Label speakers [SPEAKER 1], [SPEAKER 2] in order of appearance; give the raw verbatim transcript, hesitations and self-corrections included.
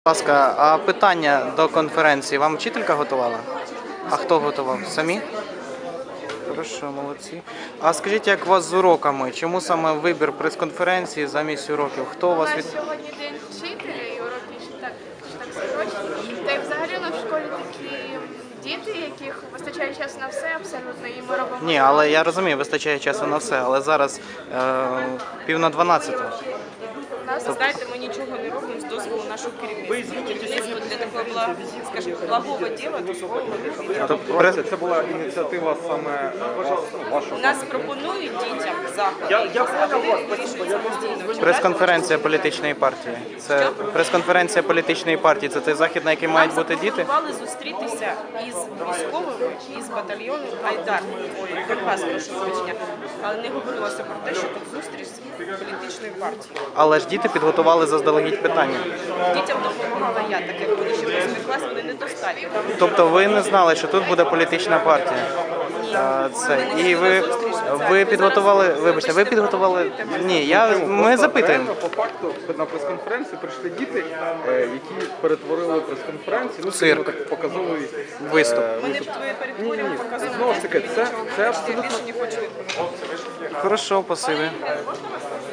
[SPEAKER 1] ласка, а питання до конференції вам вчителька готувала? А хто готував? Самі? Хорошо, молодці. А скажіть, як у вас з уроками? Чому саме вибір прес-конференції замість уроків? Хто у
[SPEAKER 2] У
[SPEAKER 1] вас
[SPEAKER 2] нас
[SPEAKER 1] від...
[SPEAKER 2] сьогодні день вчителя і уроки ще так, ще так скорочені. Та й взагалі у нас в школі такі діти, яких вистачає часу на все абсолютно, і ми робимо...
[SPEAKER 1] Ні, але я розумію, вистачає часу на все, але зараз е, пів на дванадцяту.
[SPEAKER 2] У нас,
[SPEAKER 3] Знаєте, ми нічого не робимо з дозволу нашого керівництва. Керівництво для такого, бла- скажімо, благого діла дозволу не робить.
[SPEAKER 1] Тобто,
[SPEAKER 4] Прес...
[SPEAKER 1] прес-
[SPEAKER 4] Це була ініціатива саме е, вас, ну, вашого.
[SPEAKER 3] У нас пропонують дітям заходи, а вони вирішують самостійно.
[SPEAKER 1] Прес-конференція політичної партії. Це прес-конференція політичної партії. Це той захід, на який мають бути діти?
[SPEAKER 3] Нам запропонували зустрітися із військовими, із батальйону Айдар. Ой, Донбас, прошу вибачення. Але не говорилося про те, що тут зустріч з політичною партією.
[SPEAKER 1] Але ж діти підготували заздалегідь питання.
[SPEAKER 3] Дітям допомагала я, так як вони ще восьмий клас, вони недостатньо.
[SPEAKER 1] Тобто ви не знали, що тут буде політична партія? А, Це і ви, ви підготували, вибачте, ви підготували. Ні, я ми запитуємо.
[SPEAKER 4] Реально, по факту на прес-конференцію прийшли діти, е, які перетворили прес-конференцію, ну,
[SPEAKER 1] Цирк.
[SPEAKER 4] скажімо так, показовий
[SPEAKER 1] Виступ.
[SPEAKER 4] е,
[SPEAKER 3] Ми не
[SPEAKER 4] виступ.
[SPEAKER 3] перетворюємо, показуємо.
[SPEAKER 4] Знову ж таки, це, це
[SPEAKER 3] Я
[SPEAKER 4] абсолютно
[SPEAKER 3] більше не хочу відповідати.
[SPEAKER 1] Хорошо, спасибі.
[SPEAKER 3] Можна вас